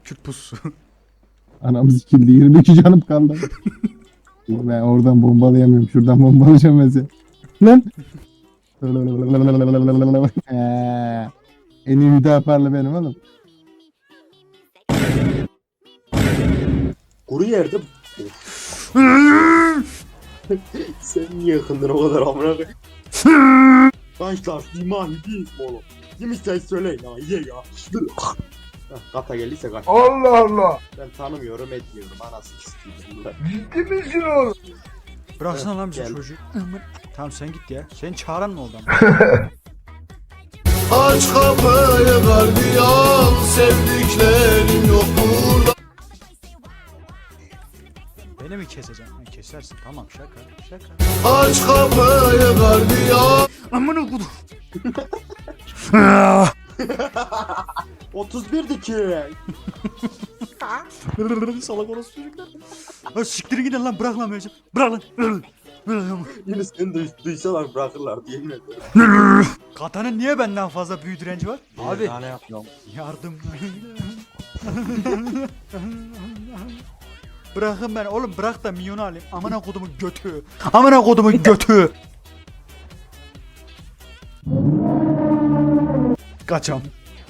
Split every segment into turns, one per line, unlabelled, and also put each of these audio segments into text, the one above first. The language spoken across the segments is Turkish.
Kürt pususu.
Anam sikildi. 22 canım kaldı. Ben oradan bombalayamıyorum. Şuradan bombalayacağım mesela. Lan. En iyi müdafaarlı benim oğlum.
Kuru yerde. Sen niye yakındın o kadar amına koyayım? Gençler iman değil mi oğlum? Yemişsen söyleyin ha ye ya. Kata geldiyse kaç.
Allah Allah.
Ben tanımıyorum etmiyorum anasını istiyorum.
Ciddi misin oğlum?
Bıraksana lan bizi
Gel.
çocuğu. Tamam sen git ya. Senin çağıran mı oldu ama?
Aç kapıyı gardiyan, sevdiklerim yok burada.
Beni mi keseceksin? Ha, kesersin tamam şaka. Şaka.
Aç kapıyı gardiyan.
Amına kodum.
31'di ki.
Salak orası çocuklar. Ha, siktirin gidin lan bırak lan Mecim. Bırak lan.
Yine seni duysalar bırakırlar diye mi ediyorum?
Katanın niye benden fazla büyü direnci var? Abi
Daha ne yapıyorum?
yardım. Bırakın ben oğlum bırak da milyonu alayım. Amına kodumun götü. Amına kodumun götü. Kaçam.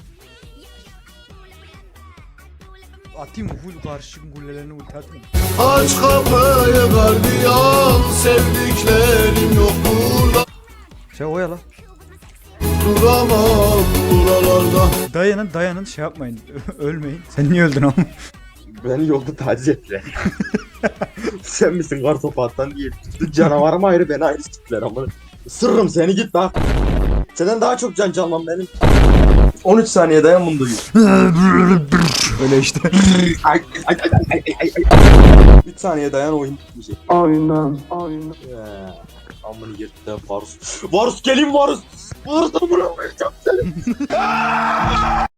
Atayım mı full karşı kullelerini ulti atayım mı?
Aç kapıyı gardiyan, sevdiklerim yok burada.
Şey oyala.
Duramam buralarda.
Dayanın şey yapmayın. Ölmeyin. Sen niye öldün ama?
Beni yolda taciz ettiler. Sen misin kartopattan diye. Canavarım ayrı beni ayrı siktiler ama. Sırrım seni git bak. Senden daha çok can canlan benim. 13 saniye dayan bunu duyuyor.
Öyle işte.
Ay, ay, ay, ay, ay, ay. 3 saniye dayan oyun bitmeyecek.
Aynen.
Amını yırttı Varus. Varus gelin Varus. Varus amına koyacağım seni.